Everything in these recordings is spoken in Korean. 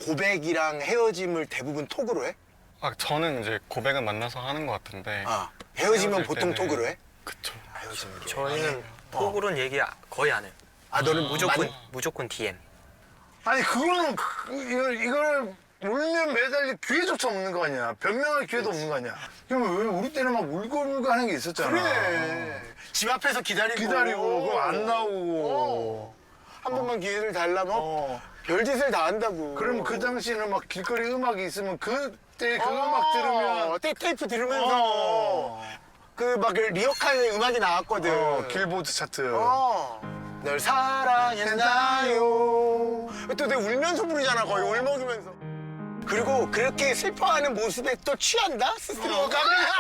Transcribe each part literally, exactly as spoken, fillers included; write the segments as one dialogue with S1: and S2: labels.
S1: 고백이랑 헤어짐을 대부분 톡으로 해?
S2: 아, 저는 이제 고백은 만나서 하는 것 같은데.
S1: 아, 헤어지면
S2: 헤어질
S1: 보통
S2: 때는-
S1: 톡으로 해?
S2: 그쵸.
S1: 헤어지면.
S3: 저희는 톡으로는 얘기 거의 안 해요.
S1: 아, 너는
S3: 무조건
S1: 만-
S3: 무조건 디엠.
S4: 아니 그거는 그- 이걸 이걸 울면 매달릴 기회조차 없는 거 아니야. 변명할 기회도 없는 거 아니야. 그럼 왜 우리 때는 막 울고불고 하는 게 있었잖아.
S1: 그래. 집 앞에서 기다리고.
S4: 기다리고 그거 안 나오고.
S1: 한 번만 기회를 달라면
S4: 어.
S1: 별짓을 다 한다고.
S4: 그럼 그 당시에는 막 길거리 음악이 있으면 그때 그
S1: 어,
S4: 음악 들으면
S1: 테, 테이프 들으면서
S4: 어.
S1: 그 막 리어카 음악이 나왔거든.
S4: 어, 길보드 차트.
S1: 어. 널 사랑했나요. 또 내가 울면서 부르잖아, 거의 울먹이면서. 그리고 그렇게 슬퍼하는 모습에 또 취한다? 스스로가.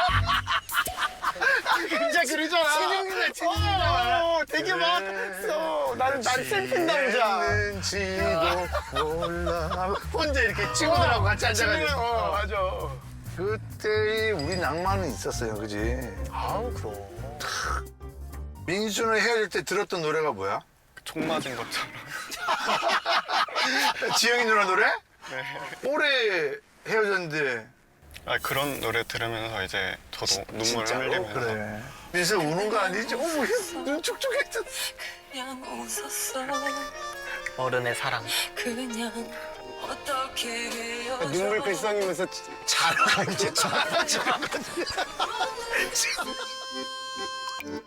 S4: 진짜 그러잖아.
S1: 치중이네, 치중이잖아. 어, 되게 막, 써. 나는, 난 슬픈 남자.
S4: 했는지도 몰라. 혼자 이렇게 친구들하고 같이 앉아가지고.
S1: 어, 맞아.
S4: 그때의 우리 낭만은 있었어요, 그지?
S1: 아우, 그럼.
S4: 민수는 헤어질 때 들었던 노래가 뭐야?
S2: 총 맞은 것처럼.
S4: 지영이 누나 노래?
S2: 네.
S4: 올해 헤어졌는데.
S2: 아, 그런 노래 들으면서 이제 저도 눈물
S1: 진짜로?
S2: 흘리면서.
S4: 그래. 민수 우는 거 아니지? 어머, 눈 촉촉해졌어.
S5: 그냥 웃었어.
S3: 어른의 사랑.
S5: 그냥 어떻게 헤어져.
S1: 눈물 글썽이면서 자라, 이제 자라.